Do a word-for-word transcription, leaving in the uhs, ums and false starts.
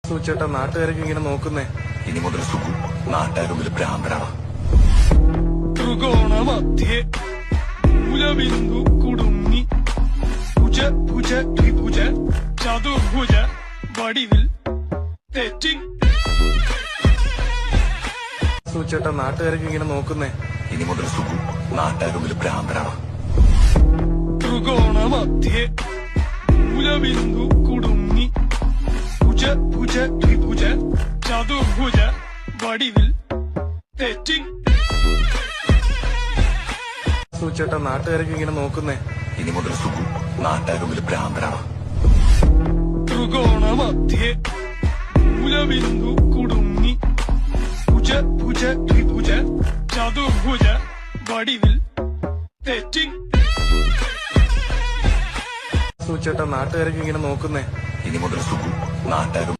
സൂചേട്ടാ നാട്ടുകാരൊക്കെ ഇങ്ങനെ നോക്കുന്നേ. ഇനി മുതൽ സുഖു നാട്ടുകാരും ഭ്രാന്തരാണ്. ത്രികോണമധ്യേ മൂലബിന്ദു കുടുങ്ങി ഭുജ ഭുജ ത്രിഭുജ ചതുർഭുജ വടിവിൽ തെറ്റി. സൂചേട്ടാ നാട്ടുകാരൊക്കെ ഇങ്ങനെ നോക്കുന്നേ. ഇനി മുതൽ സുഖു നാട്ടുകാരും ഭ്രാന്തരാണ്. ത്രികോണമധ്യേ മൂലബിന്ദു കുടുങ്ങി ഭുജ ഭുജ ത്രിഭുജ ചതുർഭുജ വടിവിൽ തെറ്റി. സൂചേട്ടാ നാട്ടുകാരൊക്കെ ഇങ്ങനെ നോക്കുന്നേ. ഇനി മുതൽ സുഖു നാട്ടുകാരും ഭ്രാന്തരാണ്. ത്രികോണമധ്യേ മൂലബിന്ദു കുടുങ്ങി ഭുജ ഭുജ ത്രിഭുജ ചതുർഭുജ വടിവിൽ തെറ്റി. സൂചേട്ടാ നാട്ടുകാരൊക്കെ ഇങ്ങനെ നോക്കുന്നേ. ഇനി മുതൽ സുഖു നാട്ടുകാരും